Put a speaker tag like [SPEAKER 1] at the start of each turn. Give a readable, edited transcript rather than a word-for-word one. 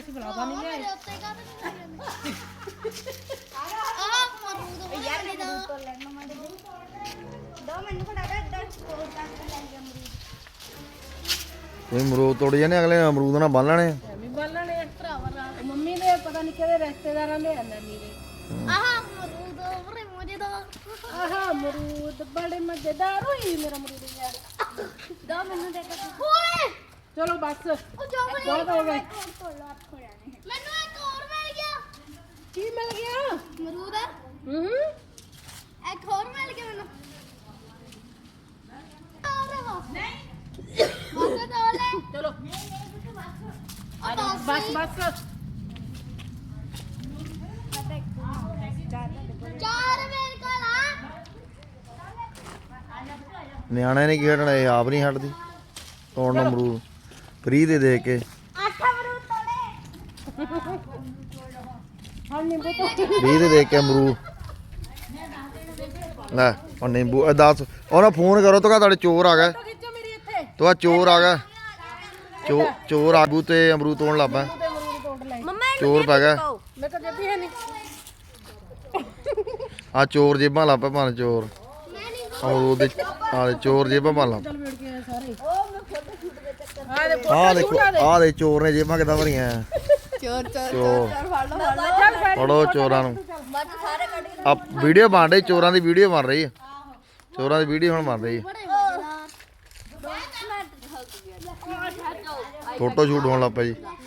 [SPEAKER 1] ਅਸੀਂ ਬਲਾਵਾ ਨਹੀਂ ਲਿਆਏ।
[SPEAKER 2] ਯਾਰ ਮੈਨੂੰ ਤੋਂ ਲੈਣਾ ਮੈਂ ਦੋ ਮੈਨੂੰ ਫੜਾ ਦੇ ਇੱਧਰ ਕੋਲ ਤੱਕ ਲੈ ਗਿਆ ਅਮਰੂਦ।
[SPEAKER 3] ਤੁਸੀਂ ਅਮਰੂਦ ਤੋੜ ਜਾਣੇ ਅਗਲੇ ਅਮਰੂਦ ਨਾਲ ਬੰਨ ਲੈਣੇ
[SPEAKER 1] ਐਵੇਂ ਬਾਲਣੇ ਭਰਾਵਾ ਰਾਤ ਮੰਮੀ ਦੇ ਪਤਾ ਨਹੀਂ ਕਿਹਦੇ ਰਿਸ਼ਤੇਦਾਰਾਂ ਦੇ ਨਾਨੀ ਦੇ।
[SPEAKER 2] ਆਹ ਅਮਰੂਦ ਬੜੇ ਮਜ਼ੇਦਾਰ।
[SPEAKER 1] ਆਹ ਅਮਰੂਦ ਬੜੇ ਮਜ਼ੇਦਾਰ ਹੋਈ ਮੇਰਾ ਅਮਰੂਦ ਯਾਰ।
[SPEAKER 2] ਦੋ ਮੈਨੂੰ ਦੇ ਕੇ ਓਏ
[SPEAKER 1] ਚਲੋ ਬਸ
[SPEAKER 2] ਉਹ ਜੋ
[SPEAKER 1] ਬਹੁਤ ਹੋ ਗਏ।
[SPEAKER 2] ਮੈਨੂੰ ਇੱਕ ਹੋਰ ਮਿਲ ਗਿਆ।
[SPEAKER 1] ਕੀ ਮਿਲ ਗਿਆ?
[SPEAKER 2] ਅਮਰੂਦ
[SPEAKER 1] ਹੂੰ
[SPEAKER 2] ਇੱਕ ਹੋਰ ਮਿਲ ਗਿਆ ਮੈਨੂੰ। ਨਹੀਂ ਬਸ ਦੋ ਲੈ
[SPEAKER 1] ਚਲੋ
[SPEAKER 2] ਉਹ
[SPEAKER 1] ਬਸ ਬਸ
[SPEAKER 2] ਚਾਰ ਮੇਰੇ ਕੋਲ ਆ।
[SPEAKER 3] ਨਿਆਣੇ ਨੇ ਕੀ ਹਟਣਾ ਇਹ ਆਪ ਨਹੀਂ ਹਟਦੀ ਤੋੜਨ ਅਮਰੂਦ ਫਰੀ ਦੇ ਕੇ
[SPEAKER 2] 8 ਅਮਰੂਦ ਤੋੜੇ।
[SPEAKER 1] ਹਾਂ ਨਿੰਬੂ ਤੋਂ
[SPEAKER 3] ਫਰੀ ਦੇ ਕੇ ਅਮਰੂਦ ਲੈ ਉਹ ਨਿੰਬੂ ਇਹ ਦੱਸ ਉਹਨਾਂ ਫੋਨ ਕਰੋ ਤਾਂ ਤੁਹਾਡੇ ਚੋਰ ਆ ਗਏ
[SPEAKER 1] ਖਿੱਚੋ ਮੇਰੀ ਇੱਥੇ
[SPEAKER 3] ਤੋ ਚੋਰ ਆ ਗਿਆ ਚੋਰ ਆਗੂ ਤੇ ਅਮਰੂਦ ਤੋੜਨ ਲੱਗ ਪਿਆ
[SPEAKER 1] ਤੇ ਅਮਰੂਦ ਤੋੜ ਲੈ।
[SPEAKER 2] ਮੰਮਾ
[SPEAKER 3] ਚੋਰ ਪੈ ਗਿਆ
[SPEAKER 1] ਮੈਂ ਤਾਂ ਜੱਬੀ ਹੈ ਨਹੀਂ।
[SPEAKER 3] ਆ ਚੋਰ ਜੇਬਾਂ ਲੱਗ ਪਏ ਭਾਂ ਚੋਰ ਅਮਰੂਦ ਦੇ ਆ ਚੋਰ ਜੇਬਾਂ ਭਾਂ ਲੱਗ
[SPEAKER 1] ਚੱਲ ਮਿਲ ਗਏ ਸਾਰੇ।
[SPEAKER 3] ਆ ਦੇਖੋ ਆ ਦੇ ਚੋਰ ਨੇ ਜੇਬਾਂ ਕਿਦਾਂ ਭਰੀਆਂ
[SPEAKER 2] ਚੋਰ ਚੋਰ
[SPEAKER 3] ਚੋਰ
[SPEAKER 2] ਫੜ ਲਓ
[SPEAKER 3] ਫੜੋ ਚੋਰਾਂ ਨੂੰ
[SPEAKER 2] ਬੱਜ ਸਾਰੇ ਕੱਢ ਕੇ
[SPEAKER 3] ਆ ਵੀਡੀਓ ਬਣ ਰਹੀ ਚੋਰਾਂ ਦੀ ਵੀਡੀਓ ਬਣ ਰਹੀ ਆ ਚੋਰਾਂ ਦੀ ਵੀਡੀਓ ਹੁਣ ਬਣ ਰਹੀ ਆ
[SPEAKER 2] ਬੜੇ ਮਜ਼ੇਦਾਰ।
[SPEAKER 3] ਫੋਟੋ ਸ਼ੂਟ ਹੋਣ ਲੱਗ ਪਿਆ ਜੀ